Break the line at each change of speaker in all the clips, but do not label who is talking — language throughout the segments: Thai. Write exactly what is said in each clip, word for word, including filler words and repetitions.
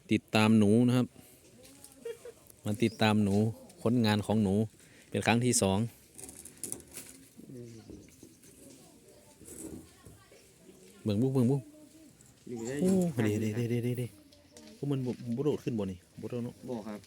ติดตามหนูนะครับมาติดตามหนูผลงานของหนูเป็นครั้งที่สองเบิ่งบุ้งเบิ่งบุ้งโอ้เด้เด้เด้เด้เด้เด้พวกมันบุโดดขึ้นบ่นี่บุโดดเนาะ
บ่ครับ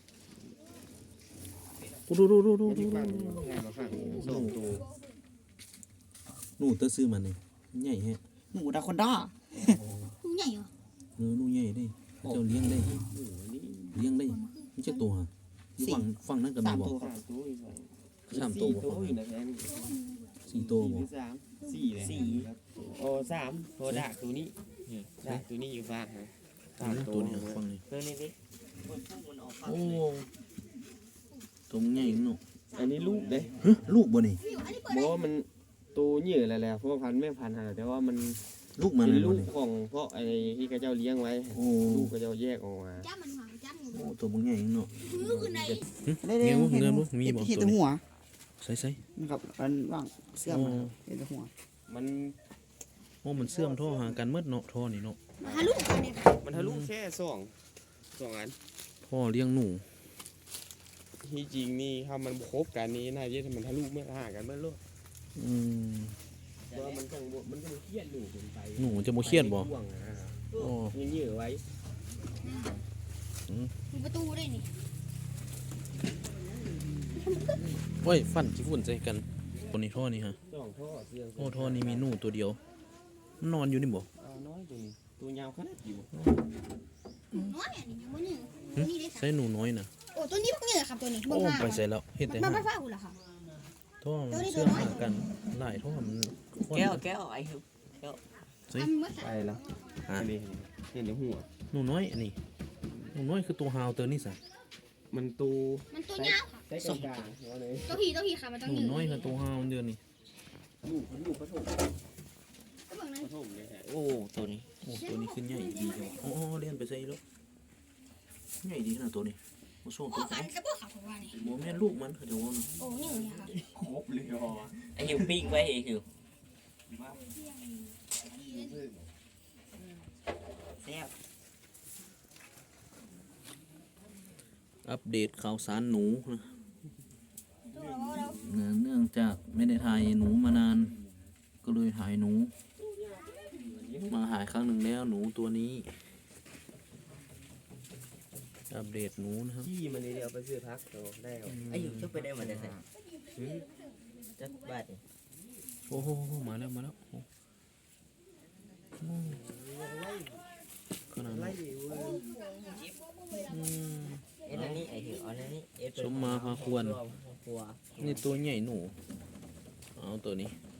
ดูดูดูดูดู
งานมาฝากสองตัว
หนูเตอซื้อมันนี่ใหญ่แฮะ
หนูดาคอนด้า
ผู้ใหญ่เหรอ
เนื้อหนูใหญ่ได้เจ้าเลี้ยงได้เลี้ยงได้ไม่ใช่ตัวฮะฝั่งฝั่งนั้นก็มี
สาม
บ่
ตัวครับ
สามตัว
สามตัว
อยู่นะแม่
สี่ตัวบ่
สามสี่เลยสี่โอ้สามโอ้ดากตัวนี้ดากตัวนี้อยู่บ้านนะสามตั
ตัว วนี้ฝั่งนี้
ตัวนี้ดิ
โอ้ตัวมันใหญ่เนาะ
อันนี้ลูกเด้
ฮะลูกบ่นี่
เพราะว่ามันตัวเหยื่อแล้วแหละเพราะว่าพันธุ์แม่พันธุ์หาแต่ว่ามัน
ลูกมัน
เป็น
เลย
ลู
บ่
ก
นี่
ของเพราะไอ้ที่กระเจ้าเลี้ยงไว้
โอ้
ลูกกระเจ้าแยกออกมา
จ้ามันหางจ้ามัน
โอ้ตัวมันใหญ่เนาะ
มือคือไหน
เงี้ยวเงินบ่มีบ่
เห็น
ตัว
แต่
นี้
หัว
ใส่ใส่
นะครับอันว่างเสื้อมาเห็นแต่หัว
มัน
โอ้มันเสื่อมท่อหากันเมื่อเนาะท่อนี่เนาะ
มาหาลูกกันเนี่ย
มันทะลุแค่สองสองอัน
ท่อเลี้ยงหนู
ที่จริงนี่ถ้ามันครบกันนี้น่าจะมันทะลุไม่ห่างกันเมื่อโลก
อืม
เพราะว่ามันจังมันจะเครียดหนูเกินไป
หนูจะบ่เครียดบ่
ห่วงนะ
โอ้
ยังยื้อไว้
มีประตูได้นี่
โอ้ยฟันจิฝุ่นใส่กันตัวนี้ท่อนี่ฮะ
สองท่อเสียง
โอ้ท่อนี้มีหนูตัวเดียวมันนอนอยู่นี่บ่
อ่าน้อยตัวนี้ตัวยาวขนาดอยู่
น้อยเนี่ยนี่ยังไม่หนึ่งนี่ได้สา
ใส่หนูน้อยน่ะ
โอ้ตัวนี้พวกเนี่ยครับตัวนี้
โอ้
เบิ่งหา
ไปใส่แล้วเฮ็ดแต่
มา
หา
ไปฟ้าหุ่นละค่ะ
ท่อมันเสื่อมหากันหลายท่อมัน
แก้วแก้วไอ้หิว
ใส่
ทำเมื่อ
ไปแล้วอันนี้เห็นในหัว
หนูน้อยอันนี้หนูน้อยคือตัวฮาวเตอร์นี่ซะ
มันตู
มันตัวยาวค่ะ
ได้กลางกลางๆว่าเลย
ตัวผีตัวผีค่ะมันต้อง
หนู
ยืน
น้อยคือตัวฮาวมันเดือนนี่
ลูกลูกผสม
ก็เบิ่งนั้น
ผสมเลยฮะ
โอ้ตัวนี้
โอ้ตัวนี้ขึ้นใหญ่ดีจังอ๋อเลียนไปใส่แล้วใหญ่ดีขนาดตัวนี้โอ้โซ่
โอ้
ตัว
ฟันกระเบื้องค่ะผมว่านี่
บ่แม่นลูกมันเขาจะว่าเนาะ
โอ้นี่เนี่ยค่ะ
ครบเลยอ๋อ
ไอ้หิวปิ้งไว้ไอ้หิวแซ่บ
อัปเดตข่าวสารหนูนะ
ตัวเราเรา
เนื่องจากไม่ได้ถ่ายหนูมานาน ก็เลยถ่ายหนู มาหายครั้งหนึ่งแล้วหนูตัวนี้ อัปเดตหนูนะครับ
ขี้มันนี่เดียวไปซื้อพักโตได้เอา
ไอ้หิวชุบไปได้หมดเลยใส่จักบาทนี่
โอ้โหมาแล้วมาแล้วโอ้โหขนาด
ไล่
นั้น
เว้ย
อืม
เอ็นอันนี้ไอ้หิวเอาอันนี้เอ็น
สมมาพาควร
ครัว
นี่ตัวใหญ่หนู เอาตัวนี้